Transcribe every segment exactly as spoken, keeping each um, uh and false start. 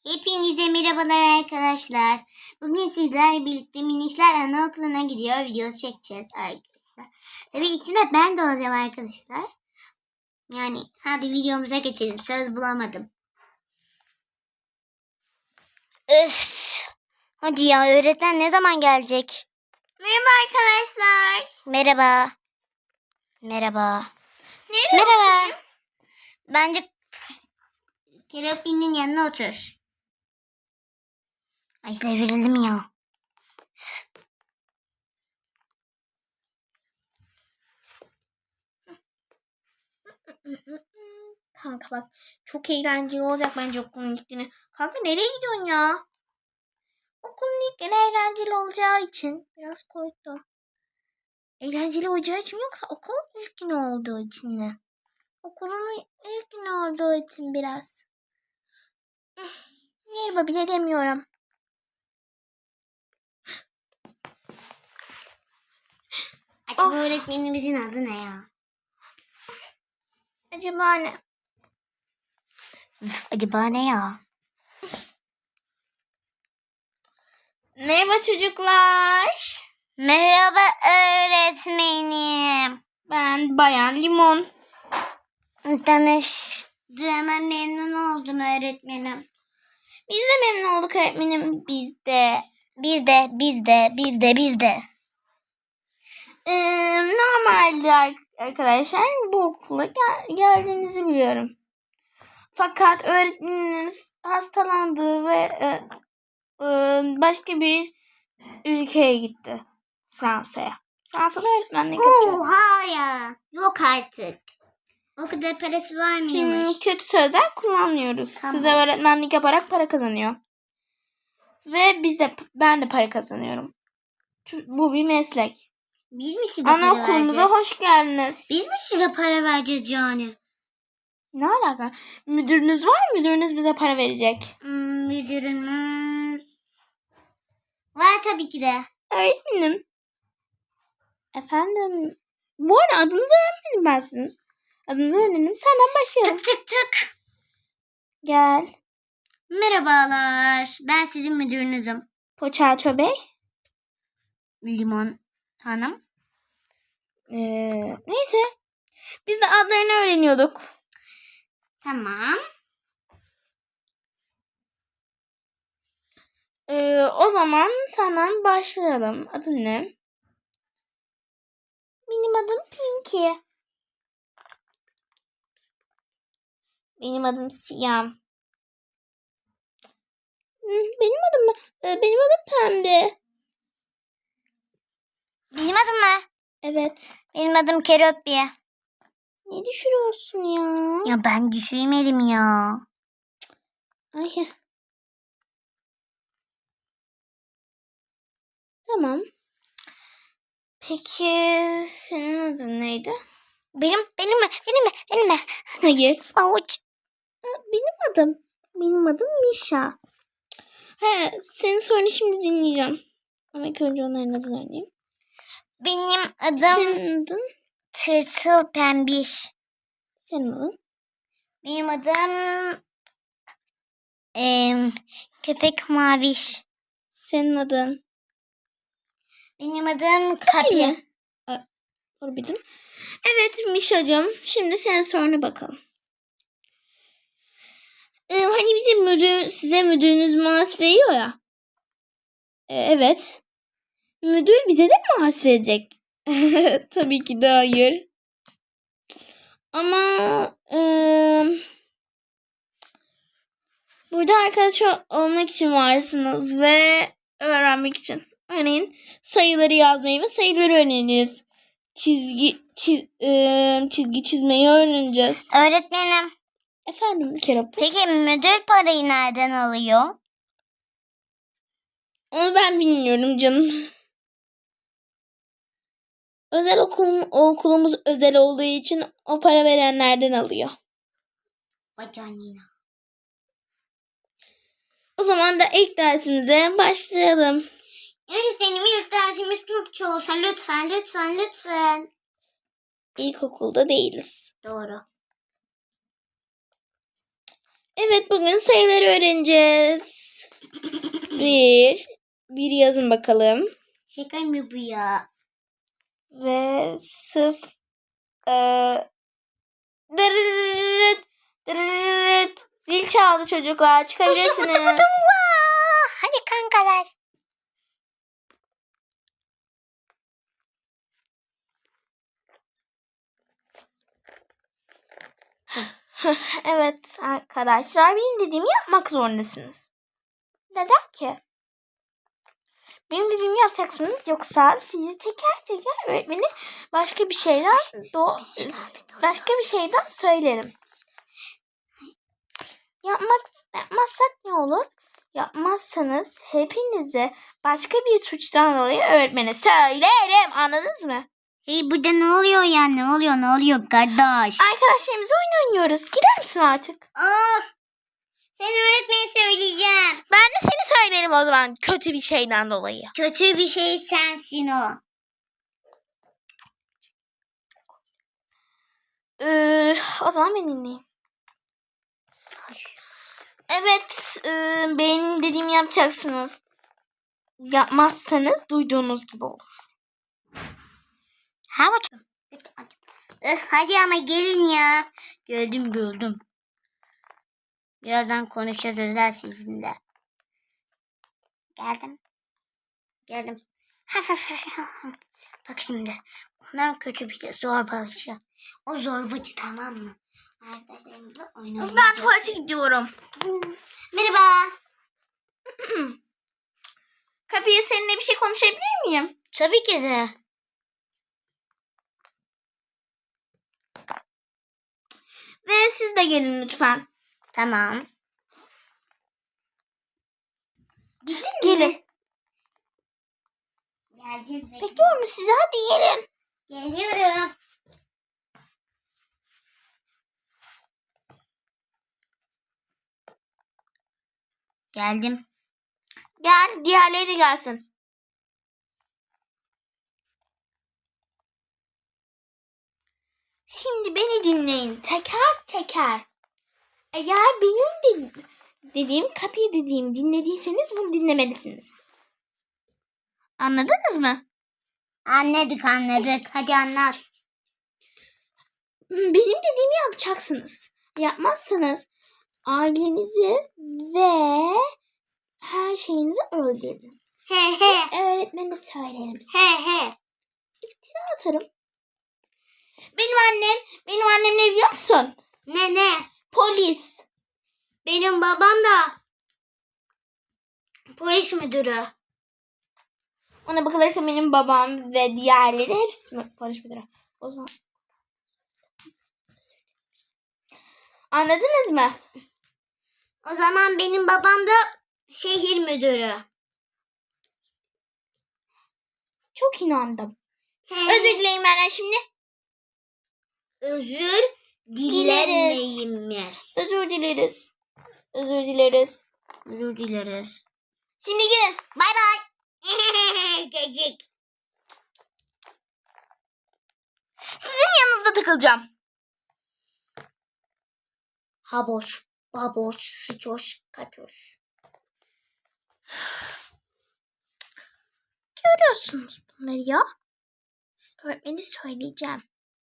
Hepinize merhabalar arkadaşlar. Bugün sizlerle birlikte Minişler Anaokulu'na gidiyor videosu çekeceğiz arkadaşlar. Tabii içinde ben de olacağım arkadaşlar. Yani hadi videomuza geçelim. Söz bulamadım. Öf. Hadi ya, öğretmen ne zaman gelecek? Merhaba arkadaşlar. Merhaba. Merhaba. Nereye Merhaba. Oturayım? Bence Keropin'in yanına otur. Ay devrildim ya. Kanka bak, çok eğlenceli olacak bence okulun ilk günü. Kanka nereye gidiyorsun ya? Okulun ilk günü eğlenceli olacağı için biraz korktum. Eğlenceli olacağı için mi yoksa okulun ilk günü olduğu için mi? Okulun ilk günü olduğu için biraz. Merhaba bile demiyorum. Acaba öğretmenimizin adı ne ya? Acaba ne? Üf, acaba ne ya? Merhaba çocuklar. Merhaba öğretmenim. Ben Bayan Limon. Tanıştığıma memnun oldum öğretmenim. Biz de memnun olduk öğretmenim. Biz de. Biz de, biz de, biz de, biz de. Ee, normalde arkadaşlar bu okula gel- geldiğinizi biliyorum. Fakat öğretmeniniz hastalandı ve e, e, başka bir ülkeye gitti. Fransa'ya. Fransa'da öğretmenlik yapıyor. Oha ya. Yok artık. O kadar parası var mıymış? Şimdi kötü sözler kullanmıyoruz. Tamam. Size öğretmenlik yaparak para kazanıyor. Ve biz de ben de para kazanıyorum. Çünkü bu bir meslek. Biz mi size para Anaokulumuza vereceğiz? hoş geldiniz. Biz mi size para vereceğiz yani? Ne alaka? Müdürünüz var mı? Müdürünüz bize para verecek. Hmm, müdürümüz. Var tabii ki de. Öğretmenim. Efendim. Bu arada adınızı öğrenmedim ben sizin. Adınızı öğrenelim. Senden başlayalım. Tık tık tık. Gel. Merhabalar. Ben sizin müdürünüzüm. Poçaço Bey. Limon Hanım. Ee, neyse. Biz de adlarını öğreniyorduk. Tamam. Ee, o zaman senden başlayalım. Adın ne? Benim adım Pinky. Benim adım Siyam. Benim adım mı? Ee, benim adım Pembe. Benim adım ne? Evet. Benim adım Keroppi. Ne düşürüyorsun ya? Ya ben düşürmedim ya. Ay. Tamam. Peki senin adın neydi? Benim, benim mi? Benim mi? Benim mi? Hayır. Avuç. Benim adım. Benim adım Misha. He, senin sorunu şimdi dinleyeceğim. Ama ilk önce onların adını öğreneyim. Benim adım Senin adın? Tırtıl Pembiş. Senin adın? Benim adım em, Köpek Maviş. Senin adın? Benim adım Kapi. Doğru bildim. Evet Misha'cığım. Şimdi senin soruna bakalım. Ee, hani bizim müdür, size müdürünüz maaş veriyor ya. Ee, evet. Müdür bize de mi maaş verecek? Tabii ki de hayır. Ama e, burada arkadaş olmak için varsınız ve öğrenmek için. Örneğin sayıları yazmayı ve sayıları öğreneceğiz. Çizgi çiz, e, çizgi çizmeyi öğreneceğiz. Öğretmenim. Efendim Kerap. Peki müdür parayı nereden alıyor? Onu ben bilmiyorum canım. Özel okul, okulumuz özel olduğu için o para verenlerden alıyor. Bacanina. O zaman da ilk dersimize başlayalım. Öğretmenim ilk dersimiz Türkçe olsa lütfen lütfen lütfen. İlkokulda değiliz. Doğru. Evet, bugün sayıları öğreneceğiz. Bir. Bir yazın bakalım. Şaka mı bu ya? Ve sıf. Eee. Dırırırırt. Dırırırırt. Zil çaldı çocuklar. Çıkabilirsiniz. Hadi kankalar. Evet arkadaşlar, benim dediğimi yapmak zorundasınız. Neden ki? Benim dediğimi yapacaksınız, yoksa sizi teker teker öğretmeni başka bir şeyler do başka bir şeyden söylerim. Yapmak yapmazsak ne olur? Yapmazsanız hepinize başka bir suçtan dolayı öğretmene söylerim. Anladınız mı? Hey, burada ne oluyor ya? Ne oluyor? Ne oluyor kardeş? Arkadaşlarımızla oyun oynuyoruz. Gider misin artık? Of! Sen öğretmeni söyleyeceğim. Ben de seni söylerim o zaman, kötü bir şeyden dolayı. Kötü bir şey sensin o. Ee, o zaman beni dinleyin. Evet, e, benim dediğimi yapacaksınız. Yapmazsanız duyduğunuz gibi olur. Ha bakalım. Eh, hadi ama gelin ya. Gördüm gördüm. Birazdan konuşacağız özel sizinle. Geldim. Geldim. Bak şimdi. Ondan kötü bir de zorbalıcı. O zorbacı, tamam mı? Arkadaşlarımızla oynayacağız. Ben tuvalete gidiyorum. Merhaba. Kapıya seninle bir şey konuşabilir miyim? Tabii ki de. Ve siz de gelin lütfen. Tamam. Gidin mi? Gelin. Geleceğiz. bekle. Bekliyorum sizi, hadi gelin. Geliyorum. Geldim. Gel, diğerleri de gelsin. Şimdi beni dinleyin teker teker. Eğer benim de dediğim, kapıyı dediğim dinlediyseniz bunu dinlemelisiniz. Anladınız mı? Anladık anladık. Hadi anlat. Benim dediğimi yapacaksınız. Yapmazsanız ailenizi ve her şeyinizi öldürürüm. He he. Öğretmene söylerim. He he. İftira atarım. Benim annem, benim annem ne biliyor musun? Ne ne? Polis. Benim babam da polis müdürü. Ona bakılırsa benim babam ve diğerleri hepsi mi polis müdürü? O zaman anladınız mı? O zaman benim babam da şehir müdürü. Çok inandım. He. Özür dilerim benden şimdi. Özür dilemeyimiz. Özür dileriz. Özür dileriz. Özür dileriz. Şimdi gidin. Bay bay. Gecik. Sizin yanınızda takılacağım. Haboş, baboş, sıçoş, katoş. Görüyorsunuz bunları ya. Öğretmeni söyleyeceğim.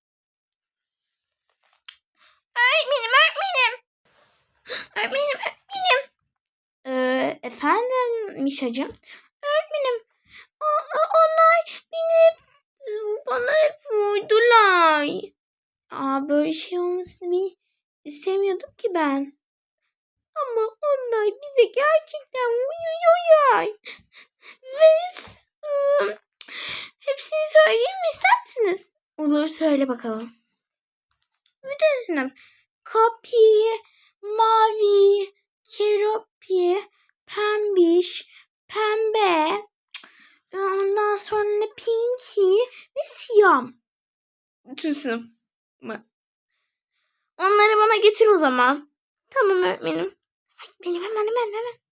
Öğretmenim, öğretmenim. Öğretmenim, öğretmenim. Ee, efendim Mişacığım. Öğretmenim, o- o- onlar beni bana hep vurdular. Aa, böyle şey olmasını bir istemiyordum ki ben. Ama onlar bize gerçekten vuruyorlar. Ve ıı, hepsini söyleyeyim mi, ister misiniz? Olur, söyle bakalım. Müdürsünüm. Kapi, mavi, keropi, pembiş, pembe. Ondan sonra pinky ve siyah. Bütün sınıf mı? Onları bana getir o zaman. Tamam öğretmenim. Benim hemen hemen hemen.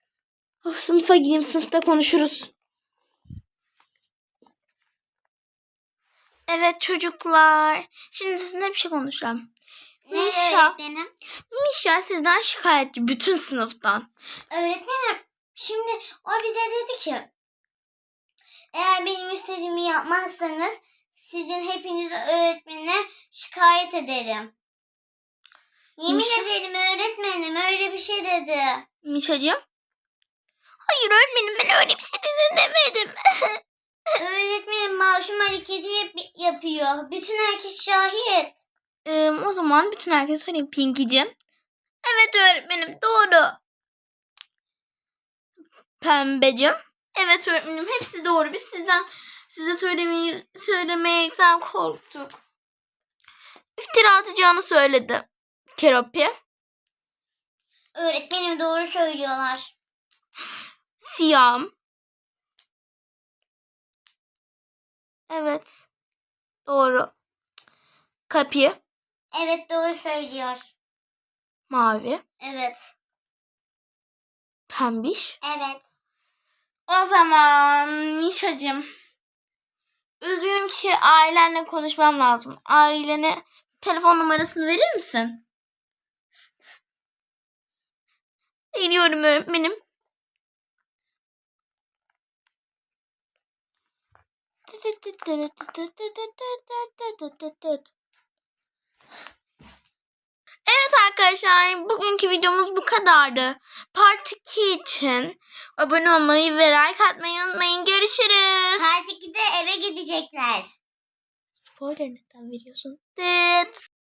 Of, sınıfa gideyim, sınıfta konuşuruz. Evet çocuklar. Şimdi sizinle bir şey konuşacağım. Ne Mişa. öğretmenim? Mişa sizden şikayetçi bütün sınıftan. Öğretmenim şimdi o bir de dedi ki eğer benim istediğimi yapmazsanız sizin hepinizi öğretmene şikayet ederim. Yemin Mişa- ederim öğretmenim öyle bir şey dedi. Mişacığım. Hayır öğretmenim ben öyle bir şey dedin demedim. Öğretmenim masum hareketi yap- yapıyor. Bütün herkes şahit. Ee, o zaman bütün herkese söyleyeyim Pinky'cim. Evet öğretmenim doğru. Pembecim. Evet öğretmenim hepsi doğru. Biz sizden size söylemeyi söylemekten korktuk. İftira atacağını söyledi Keropi. Öğretmenim doğru söylüyorlar. Siyam. Evet. Doğru. Kapi. Evet doğru söylüyor. Mavi. Evet. Pembiş. Evet. O zaman Mişacığım. Üzgünüm ki ailenle konuşmam lazım. Ailene telefon numarasını verir misin? Veriyorum öğretmenim. Evet arkadaşlar bugünkü videomuz bu kadardı. Part iki için abone olmayı ve like atmayı unutmayın. Görüşürüz. Part ikide eve gidecekler. Spoiler neden veriyorsun? Dıt.